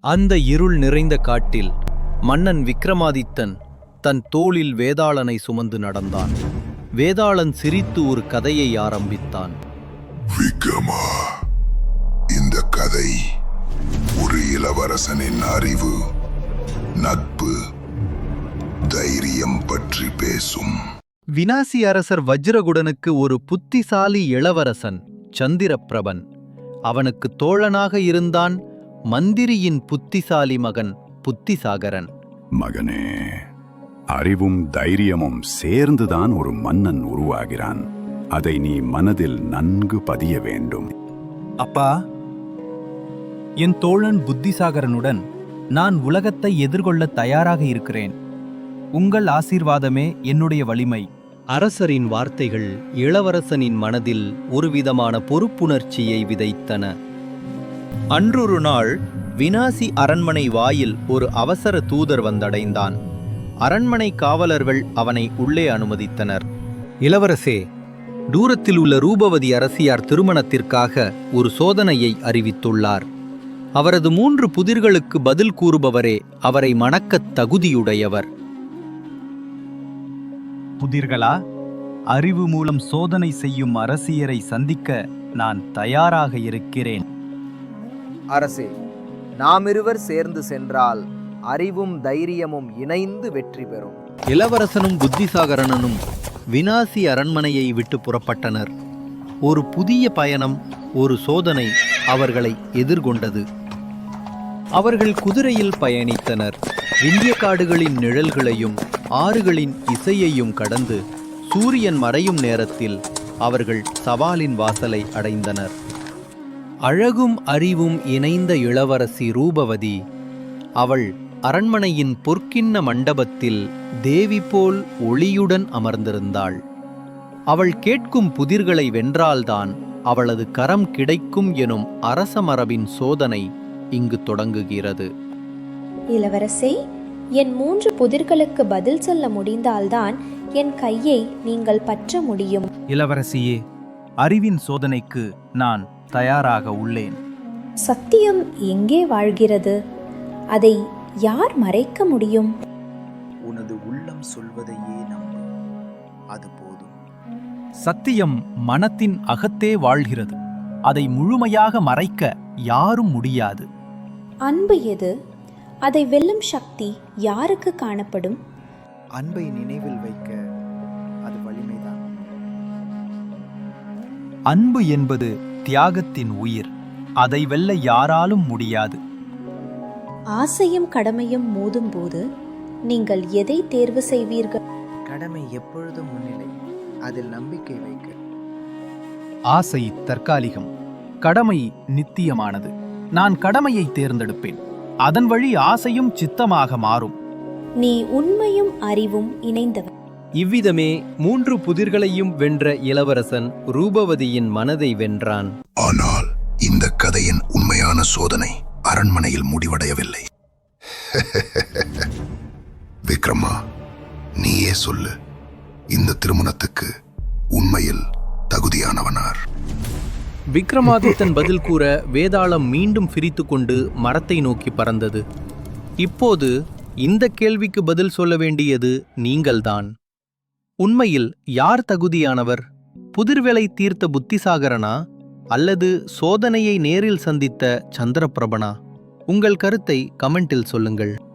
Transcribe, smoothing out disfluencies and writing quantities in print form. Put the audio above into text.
அந்த இருள் நிறைந்த காட்டில் மன்னன் விக்ரமாதித்தன் தன் தோளில் வேதாளனை சுமந்து நடந்தான். வேதாளன் சிரித்து ஒரு கதையை ஆரம்பித்தான். விக்ரமா, இந்த கதை ஒரு இளவரசனின் அறிவு, நட்பு, தைரியம் பற்றி பேசும். வினாசி அரசர் வஜ்ரகுடனுக்கு ஒரு புத்திசாலி இளவரசன் சந்திரப்பிரபன். அவனுக்கு தோழனாக இருந்தான் மந்திரியின் புத்திசாலி மகன் புத்திசாகரன். மகனே, அறிவும் தைரியமும் சேர்ந்துதான் ஒரு மன்னன் உருவாகிறான். அதை நீ மனதில் நன்கு பதிய வேண்டும். அப்பா, என் தோழன் புத்திசாகரனுடன் நான் உலகத்தை எதிர்கொள்ள தயாராக இருக்கிறேன். உங்கள் ஆசீர்வாதமே என்னுடைய வலிமை. அரசரின் வார்த்தைகள் இளவரசனின் மனதில் ஒருவிதமான பொறுப்புணர்ச்சியை விதைத்தன. அன்றொரு நாள் வினாசி அரண்மனை வாயில் ஒரு அவசர தூதர் வந்தடைந்தான். அரண்மனை காவலர்கள் அவனை உள்ளே அனுமதித்தனர். இளவரசே, தூரத்தில் உள்ள ரூபவதி அரசியார் திருமணத்திற்காக ஒரு சோதனையை அறிவித்துள்ளார். அவரது 3 புதிர்களுக்கு பதில் கூறுபவரே அவரை மணக்கத் தகுதியுடையவர். புதிர்களா? அறிவு மூலம் சோதனை செய்யும் அரசியரை சந்திக்க நான் தயாராக இருக்கிறேன். அரசே, நாமிருவர் சேர்ந்து சென்றால் அறிவும் தைரியமும் இணைந்து வெற்றி பெறும். இளவரசனும் புத்திசாகரனும் வினாசி அரண்மனையை விட்டு புறப்பட்டனர். ஒரு புதிய பயணம், ஒரு சோதனை அவர்களை எதிர்கொண்டது. அவர்கள் குதிரையில் பயணித்தனர். விந்திய காடுகளின் நிழல்களையும் ஆறுகளின் இசையையும் கடந்து சூரியன் மறையும் நேரத்தில் அவர்கள் சவாலின் வாசலை அடைந்தனர். அழகும் அறிவும் இணைந்த இளவரசி ரூபவதி, அவள் அரண்மனையின் பொற்கிண்ண மண்டபத்தில் தேவி போல் ஒளியுடன் அமர்ந்திருந்தாள். அவள் கேட்கும் புதிர்களை வென்றால்தான் அவளது கரம் கிடைக்கும் எனும் அரச மரபின் சோதனை இங்கு தொடங்குகிறது. இளவரசே, என் 3 புதிர்களுக்கு பதில் சொல்ல முடிந்தால்தான் என் கையை நீங்கள் பற்ற முடியும். இளவரசியே, அறிவின் சோதனைக்கு நான் தயாராக உள்ளேன். சத்தியம் எங்கே வாழ்கிறது? அதை யார் மறைக்க முடியும்? உனது உள்ளம் சொல்வதையே நம்பு, அது போதும். சத்தியம் மனத்தின் அகத்தே வாழ்கிறது. அதை முழுமையாக மறைக்க யாரும் முடியாது. அன்பு எது? அதை வெல்லும் சக்தி யாருக்கு காணப்படும்? அன்பை நினைவில் வைக்க அது வலிமைதான். அன்பு என்பது தியாகத்தின் உயிர். அதை வெல்ல யாராலும் முடியாது. ஆசையும் கடமையும் மோதும்போது நீங்கள் எதை தேர்வு செய்வீர்கள்? கடமை எப்பொழுதும் முன்னிலை, அதில் நம்பிக்கை வைக்க. ஆசை தற்காலிகம், கடமை நித்தியமானது. நான் கடமையை தேர்ந்தெடுப்பேன். அதன் வழி ஆசையும் சித்தமாக மாறும். நீ உண்மையும் அறிவும் இணைந்தவன். இவ்விதமே 3 புதிர்களையும் வென்ற இளவரசன் ரூபவதியின் மனதை வென்றான். ஆனால் இந்த கதையின் உண்மையான சோதனை அரண்மனையில் முடிவடையவில்லை. விக்ரமா, நீயே சொல்லு, இந்த திருமணத்துக்கு உண்மையில் தகுதியானவனார்? விக்ரமாதித்தன் பதில் கூற வேதாளம் மீண்டும் பிரித்துக்கொண்டு மரத்தை நோக்கி பறந்தது. இப்போது இந்த கேள்விக்கு பதில் சொல்ல வேண்டியது நீங்கள்தான். உண்மையில் யார் தகுதியானவர்? புதிர்வேளை தீர்த்த புத்திசாகரனா அல்லது சோதனையை நேரில் சந்தித்த சந்திரப்பிரபனா? உங்கள் கருத்தை கமெண்டில் சொல்லுங்கள்.